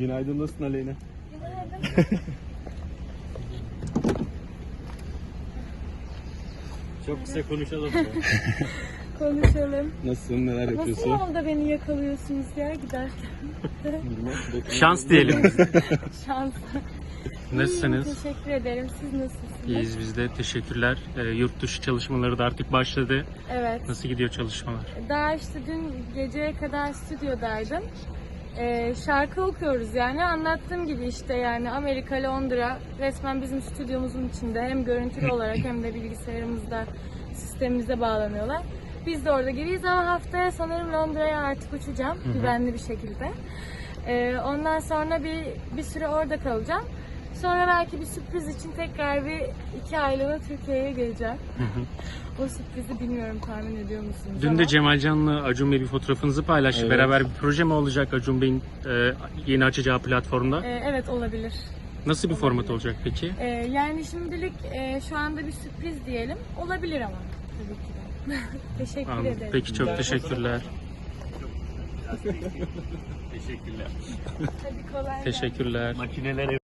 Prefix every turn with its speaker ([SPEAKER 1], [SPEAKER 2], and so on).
[SPEAKER 1] Günaydın, nasılsın Aleyna?
[SPEAKER 2] Günaydın.
[SPEAKER 3] Çok kısa konuşalım.
[SPEAKER 2] Konuşalım.
[SPEAKER 1] Nasılsın, neler
[SPEAKER 2] Nasıl
[SPEAKER 1] yapıyorsun?
[SPEAKER 2] yolda beni yakalıyorsunuz ya giderken?
[SPEAKER 3] Şans diyelim.
[SPEAKER 2] Şans.
[SPEAKER 3] Nasılsınız?
[SPEAKER 2] İyiyim, teşekkür ederim. Siz nasılsınız?
[SPEAKER 3] İyiyiz biz de. Teşekkürler. Yurt dışı çalışmaları da artık başladı.
[SPEAKER 2] Evet.
[SPEAKER 3] Nasıl gidiyor çalışmalar?
[SPEAKER 2] Daha işte dün geceye kadar stüdyodaydım. Şarkı okuyoruz yani. Anlattığım gibi işte yani Amerika, Londra resmen bizim stüdyomuzun içinde. Hem görüntülü olarak hem de bilgisayarımızda, sistemimize bağlanıyorlar. Biz de orada gibiyiz ama haftaya sanırım Londra'ya artık uçacağım. Güvenli bir şekilde. Ondan sonra bir süre orada kalacağım. Sonra belki bir sürpriz için tekrar bir 2 aylığına Türkiye'ye geleceğim. O sürprizi bilmiyorum, tahmin ediyor musunuz?
[SPEAKER 3] Dün de Cemal Can'la Acun Bey bir fotoğrafınızı paylaştı.
[SPEAKER 1] Evet.
[SPEAKER 3] Beraber bir proje mi olacak Acun Bey'in yeni açacağı platformda?
[SPEAKER 2] Evet, olabilir.
[SPEAKER 3] Nasıl bir format olacak peki?
[SPEAKER 2] Yani şimdilik şu anda bir sürpriz diyelim. Olabilir ama tabii ki de. Teşekkür
[SPEAKER 3] Anladım.
[SPEAKER 2] ederim.
[SPEAKER 3] Peki çok teşekkürler.
[SPEAKER 1] Teşekkürler.
[SPEAKER 2] Hadi kolay gelsin.
[SPEAKER 3] Teşekkürler.
[SPEAKER 1] Makineler